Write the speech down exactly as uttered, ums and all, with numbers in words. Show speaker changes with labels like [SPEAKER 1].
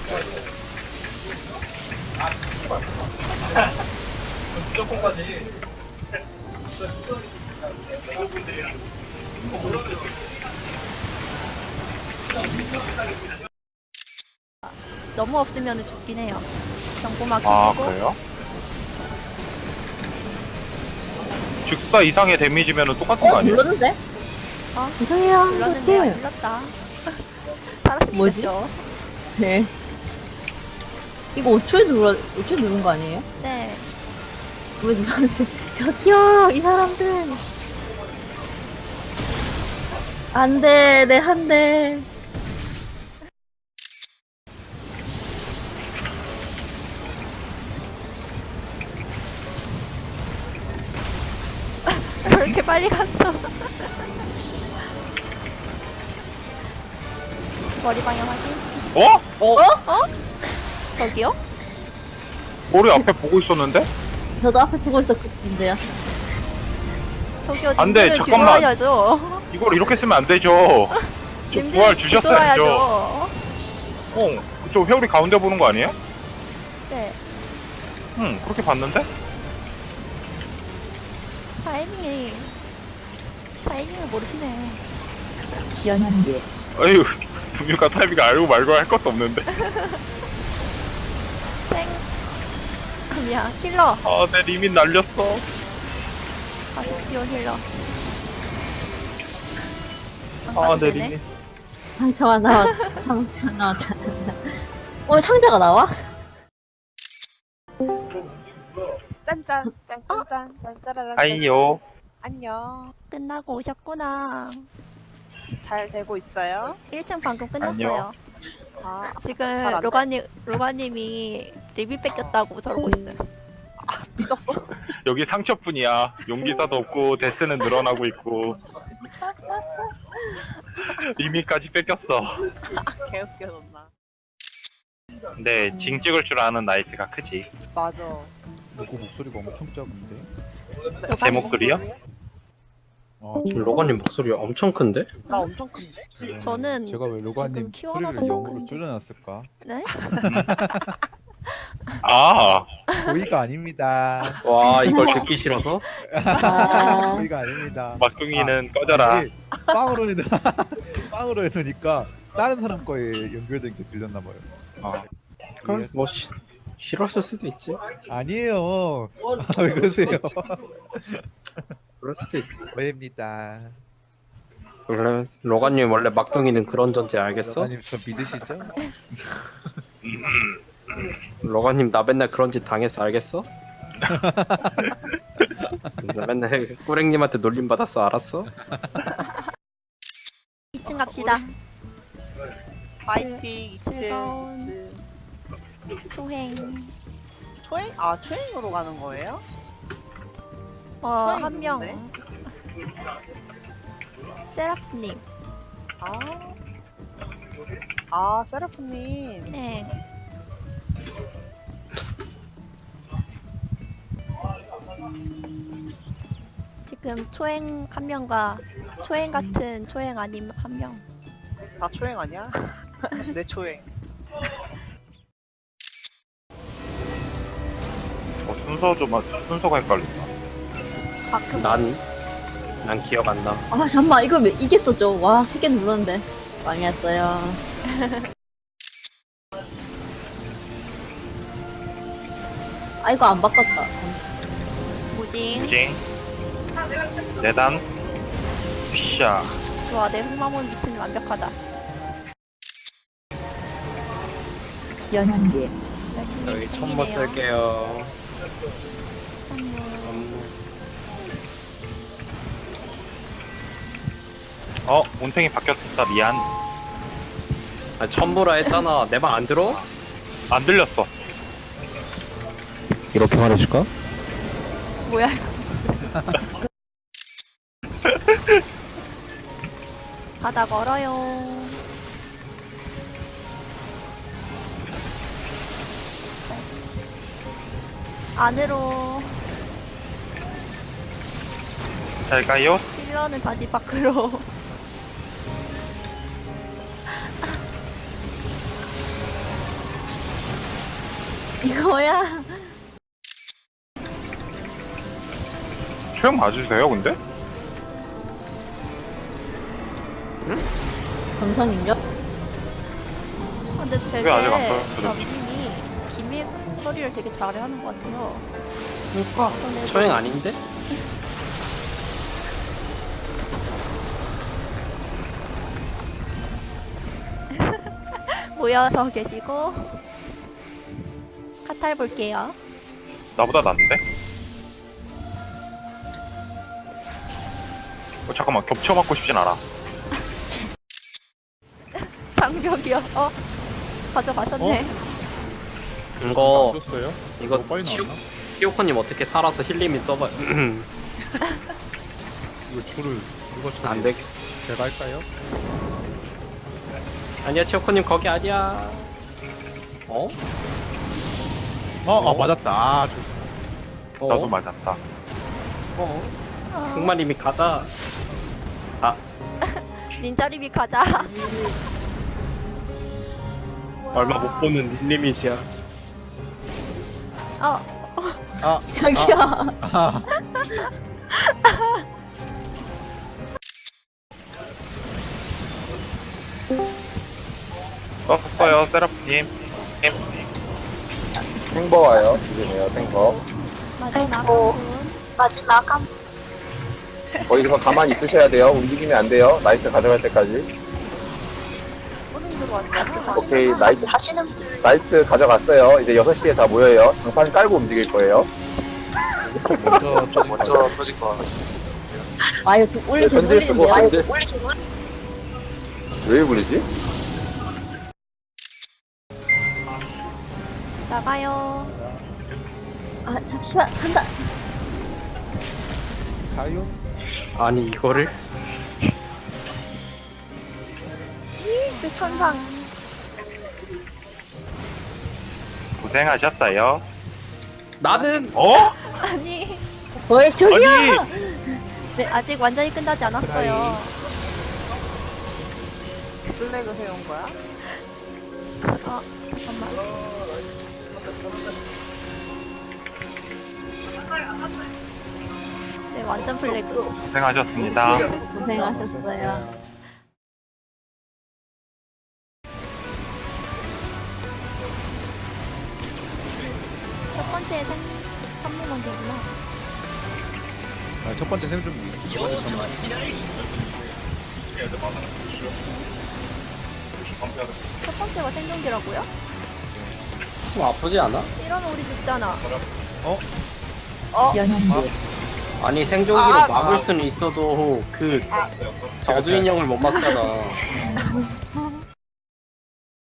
[SPEAKER 1] 너무 없으면 죽긴 해요. 경보막
[SPEAKER 2] 아
[SPEAKER 1] 켜시고.
[SPEAKER 2] 그래요? 즉사 이상의 데미지면은 똑같은 거
[SPEAKER 3] 어,
[SPEAKER 2] 아니에요?
[SPEAKER 3] 눌렀는데?
[SPEAKER 1] 어?
[SPEAKER 3] 이상해요.
[SPEAKER 1] 눌렀는데요.
[SPEAKER 3] 어떡해.
[SPEAKER 1] 눌렀다. 살았으니까
[SPEAKER 3] 뭐지?
[SPEAKER 1] 됐죠.
[SPEAKER 3] 네. 이거 오 초에 눌러, 오 초에 누른 거 아니에요?
[SPEAKER 1] 네.
[SPEAKER 3] 왜 눌렀는데? 저기요, 이 사람들. 안 돼, 내 한 대.
[SPEAKER 1] 왜 이렇게 빨리 갔어? 머리 방향 확인.
[SPEAKER 2] 어?
[SPEAKER 3] 어?
[SPEAKER 1] 저기요?
[SPEAKER 2] 머리 앞에 보고 있었는데?
[SPEAKER 3] 저도 앞에 보고 있었거든요.
[SPEAKER 1] 저기요.
[SPEAKER 2] 안 돼,
[SPEAKER 1] 님들은
[SPEAKER 2] 잠깐만.
[SPEAKER 1] 뒤돌아야죠.
[SPEAKER 2] 이걸 이렇게 쓰면 안 되죠. 저
[SPEAKER 1] 님들은
[SPEAKER 2] 부활 주셨어야죠.
[SPEAKER 1] 뒤돌아야죠.
[SPEAKER 2] 어, 저 회오리 가운데 보는 거 아니에요?
[SPEAKER 1] 네.
[SPEAKER 2] 응, 그렇게 봤는데?
[SPEAKER 1] 타이밍이 타이밍을 모르시네.
[SPEAKER 3] 연한계.
[SPEAKER 2] 아유, 분유가 타이밍 알고 말고 할 것도 없는데.
[SPEAKER 1] 땡. 그냥 힐러
[SPEAKER 2] 아, 내 리밋 날렸어.
[SPEAKER 1] 가십시오 힐러. 안
[SPEAKER 2] 아,
[SPEAKER 1] 가도
[SPEAKER 2] 내
[SPEAKER 1] 되네.
[SPEAKER 2] 리밋.
[SPEAKER 3] 상처가 나왔, 상처가 나왔다. 어, 상자가 나와?
[SPEAKER 4] 짠짠 짠짠짠 짠짜라란
[SPEAKER 2] 하이요.
[SPEAKER 4] 안녕.
[SPEAKER 1] 끝나고 오셨구나.
[SPEAKER 4] 잘 되고 있어요?
[SPEAKER 1] 일 층 방금 끝났어요.
[SPEAKER 4] 아
[SPEAKER 1] 지금
[SPEAKER 4] 안 돼?
[SPEAKER 1] 로가님 로가님이 리뷰 뺏겼다고 저러고 있어요.
[SPEAKER 4] 삐졌어?
[SPEAKER 2] 여기 상처뿐이야. 용기사도 없고 데스는 늘어나고 있고. 리밋까지 뺏겼어.
[SPEAKER 4] 개웃겨졌나?
[SPEAKER 2] 근데 징 찍을 줄 아는 나이트가 크지.
[SPEAKER 4] 맞아.
[SPEAKER 5] 누구 목소리가 엄청 작은데?
[SPEAKER 2] 제 목소리요?
[SPEAKER 5] 아,
[SPEAKER 6] 지금
[SPEAKER 5] 저,
[SPEAKER 6] 로건님 목소리 엄청 큰데?
[SPEAKER 4] 나 엄청 큰데?
[SPEAKER 1] 저는
[SPEAKER 5] 제가 왜 로가님
[SPEAKER 1] 지금
[SPEAKER 5] 소리를
[SPEAKER 1] 키워놔서
[SPEAKER 5] 영어로
[SPEAKER 1] 그런데.
[SPEAKER 5] 줄여놨을까?
[SPEAKER 1] 네?
[SPEAKER 2] 아,
[SPEAKER 5] 고의가 아닙니다.
[SPEAKER 6] 와 이걸 듣기 싫어서?
[SPEAKER 3] 아,
[SPEAKER 5] 고의가 아닙니다.
[SPEAKER 2] 막둥이는 꺼져라.
[SPEAKER 5] 이게 빵으로 해놓 빵으로 해놓으니까 다른 사람 거에 연결된 게 들렸나봐요.
[SPEAKER 2] 아,
[SPEAKER 6] 그럼 뭐 시, 싫었을 수도 있지.
[SPEAKER 5] 아니에요. 아, 왜 그러세요?
[SPEAKER 6] 그럴 수도 있지.
[SPEAKER 5] 오해입니다.
[SPEAKER 6] 원래 로건님 원래 막둥이는 그런 존재 알겠어?
[SPEAKER 5] 로가님 저 믿으시죠?
[SPEAKER 6] 로건님 나 맨날 그런 짓 당했어 알겠어? 나 맨날 꾸랭님한테 놀림 받았어 알았어?
[SPEAKER 1] 이 층 갑시다.
[SPEAKER 4] 파이팅 이층
[SPEAKER 1] 즐거운 초행.
[SPEAKER 4] 초행? 아 초행으로 가는 거예요?
[SPEAKER 1] 어,
[SPEAKER 4] 초행이
[SPEAKER 1] 한 명.
[SPEAKER 4] 누군데?
[SPEAKER 1] 세라프님.
[SPEAKER 4] 아, 아 세라프님.
[SPEAKER 1] 네. 지금 초행 한 명과 초행 같은 초행 아닌 한 명.
[SPEAKER 4] 다 초행 아니야? 내 초행.
[SPEAKER 2] 어, 순서 좀 하- 순서가 헷갈린다.
[SPEAKER 1] 가끔
[SPEAKER 6] 난, 난 기억 안 나.
[SPEAKER 3] 아, 잠깐만, 이거 왜 이겼었죠? 와, 세 개 눌렀는데. 망했어요. 아, 이거 안 바꿨다.
[SPEAKER 1] 무징.
[SPEAKER 2] 무징. 내단. 샤.
[SPEAKER 1] 좋아, 내 흑마몬 위치는 완벽하다.
[SPEAKER 3] 연한계.
[SPEAKER 1] 열심히
[SPEAKER 6] 여기 천모
[SPEAKER 1] 팽이네요.
[SPEAKER 6] 쓸게요.
[SPEAKER 1] 천모.
[SPEAKER 6] 음,
[SPEAKER 2] 어, 온탱이 바뀌었다. 미안.
[SPEAKER 6] 아, 천모라 했잖아. 내 말 안 들어?
[SPEAKER 2] 안 들렸어.
[SPEAKER 5] 이렇게 말해줄까?
[SPEAKER 1] 뭐야? 바다 멀어요. 안으로.
[SPEAKER 2] 잘 가요.
[SPEAKER 1] 힐러는 다시 밖으로.
[SPEAKER 3] 이거야.
[SPEAKER 2] 초행 맞으세요 근데?
[SPEAKER 3] 감성인가?
[SPEAKER 1] 아, 근데 되게
[SPEAKER 2] 왜 아직 안 떨어졌지?
[SPEAKER 1] 남님이 기믹 처리를 되게 잘해 하는 것 같아요.
[SPEAKER 6] 그니까
[SPEAKER 1] 전에도
[SPEAKER 6] 초행 아닌데?
[SPEAKER 1] 모여서 계시고 카탈 볼게요.
[SPEAKER 2] 나보다 낫는데? 어, 잠깐만 겹쳐 맞고 싶진 않아.
[SPEAKER 1] 장벽이요. 어 가져가셨네.
[SPEAKER 6] 이거
[SPEAKER 5] 안 줬어요?
[SPEAKER 6] 이거
[SPEAKER 5] 너무 빨리
[SPEAKER 6] 치우-
[SPEAKER 5] 나왔나?
[SPEAKER 6] 히오코님 어떻게 살아서 힐림이 써봐요.
[SPEAKER 5] 이거 줄을 누가 쳐?
[SPEAKER 6] 안 되게.
[SPEAKER 5] 제가 할까요?
[SPEAKER 6] 아니야 치오코님 거기 아니야. 어?
[SPEAKER 5] 어, 아 맞았다. 아, 저,
[SPEAKER 6] 어?
[SPEAKER 2] 나도 맞았다.
[SPEAKER 6] 어?
[SPEAKER 1] 어,
[SPEAKER 6] 흑마님이 가자.
[SPEAKER 1] 닌자리비 가자.
[SPEAKER 6] 얼마 못 보는 힐리밋이야.
[SPEAKER 1] 어
[SPEAKER 5] 아,
[SPEAKER 3] 저기요.
[SPEAKER 5] 아,
[SPEAKER 2] 썼어요 세라프님.
[SPEAKER 7] 탱버 와요. 조심해요, 탱버.
[SPEAKER 1] 마지막
[SPEAKER 8] 아이고.
[SPEAKER 1] 분.
[SPEAKER 8] 마지막 한
[SPEAKER 7] 거기서 가만히 있으셔야 돼요. 움직이면 안 돼요. 나이트 가져갈 때까지.
[SPEAKER 4] 소름 들어왔잖아.
[SPEAKER 7] 오케이,
[SPEAKER 8] 나이트
[SPEAKER 7] 나이트,
[SPEAKER 8] 하시는 분
[SPEAKER 7] 나이트 가져갔어요. 이제 여섯 시에 다 모여요. 장판 깔고 움직일 거예요.
[SPEAKER 5] 먼저
[SPEAKER 9] 먼저 터질 것 같아요.
[SPEAKER 3] 아 이거 좀 올리
[SPEAKER 7] 네,
[SPEAKER 3] 계속
[SPEAKER 7] 전질 쓰고
[SPEAKER 3] 올리는데요?
[SPEAKER 7] 전질.
[SPEAKER 8] 올리기 전
[SPEAKER 7] 왜 불리지?
[SPEAKER 1] 나가요.
[SPEAKER 3] 아 잠시만 간다.
[SPEAKER 5] 가요?
[SPEAKER 6] 아니 이거를?
[SPEAKER 4] 내 천상.
[SPEAKER 2] 고생하셨어요.
[SPEAKER 6] 나는
[SPEAKER 2] 어?
[SPEAKER 1] 아니
[SPEAKER 3] 왜 저기요?
[SPEAKER 2] 아니
[SPEAKER 1] 네, 아직 완전히 끝나지 않았어요.
[SPEAKER 4] 블랙을 해온 거야?
[SPEAKER 1] 어 잠깐만. 네 완전 플래그.
[SPEAKER 2] 고생하셨습니다.
[SPEAKER 3] 고생하셨어요.
[SPEAKER 1] 첫 번째 생 선물 먼저구나.
[SPEAKER 5] 아, 첫 번째 생존기. 첫 번째 선물.
[SPEAKER 1] 첫 번째가 생존기라고요?
[SPEAKER 6] 좀 아프지 않아?
[SPEAKER 1] 이러면 우리 죽잖아.
[SPEAKER 3] 연현기.
[SPEAKER 6] 아니 생존기로
[SPEAKER 4] 아,
[SPEAKER 6] 막을
[SPEAKER 5] 아.
[SPEAKER 6] 수는 있어도 그 저주 인형을 못 막잖아.